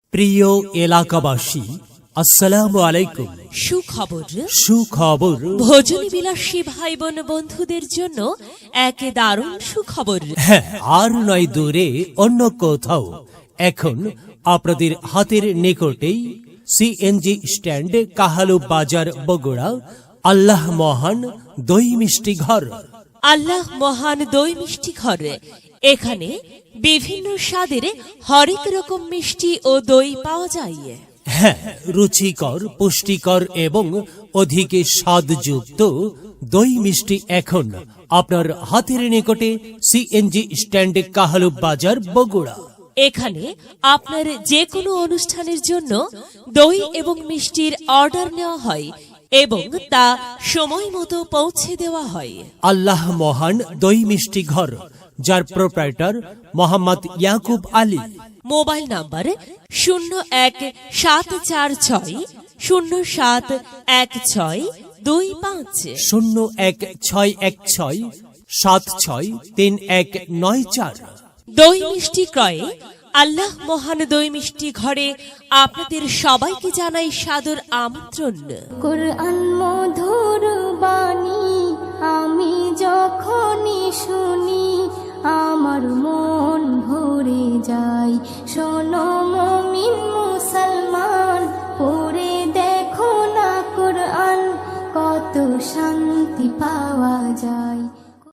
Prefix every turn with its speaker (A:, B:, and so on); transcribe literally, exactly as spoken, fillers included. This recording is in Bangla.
A: প্রিয় এলাকাবাসী, আসসালামু আলাইকুম।
B: সুখবর
A: সুখবর
B: ভোজনী বিলাসী ভাই বোন বন্ধুদের জন্য এক দারুণ সুখবর।
A: হ্যাঁ, আর নয় দূরে অন্য কোথাও, এখন আপনাদের হাতের নিকটেই সিএনজি স্ট্যান্ড, কাহালু বাজার, বগুড়া, আল্লাহ মহান দই মিষ্টি ঘর।
B: আল্লাহ মহান দই মিষ্টি ঘর। এখানে বিভিন্ন স্বাদের হরেক রকম মিষ্টি ও দই পাওয়া যায়।
A: হ্যাঁ, রুচিকর, পুষ্টিকর এবং অধিক স্বাদযুক্ত দই মিষ্টি এখন আপনার হাতের নিকটে সিএনজি স্ট্যান্ড, কাহালু বাজার, বগুড়া।
B: এখানে আপনার যে কোনো অনুষ্ঠানের জন্য দই এবং মিষ্টির অর্ডার নেওয়া হয় এবং তা সময় মতো পৌঁছে দেওয়া হয়।
A: আল্লাহ মহান দই মিষ্টি ঘর, যার proprietor Mohammad Yakub Ali.
B: Mobile number শূন্য এক সাত চার ছয় শূন্য সাত এক ছয় দুই পাঁচ
A: শূন্য এক ছয় এক ছয় সাত ছয় তিন এক নয় চার।
B: দই মিষ্টি ক্রয়ে আল্লাহ মহান দই মিষ্টি ঘরে আপনাদের সবাইকে জানাই সাদর আমন্ত্রণ।
C: কুরআন মধুর বাণী আমি যখনই শুনি আমার মন ভরে যায়। শোনো মুমিন মুসলমান, পড়ে দেখো না কুরআন, কত শান্তি পাওয়া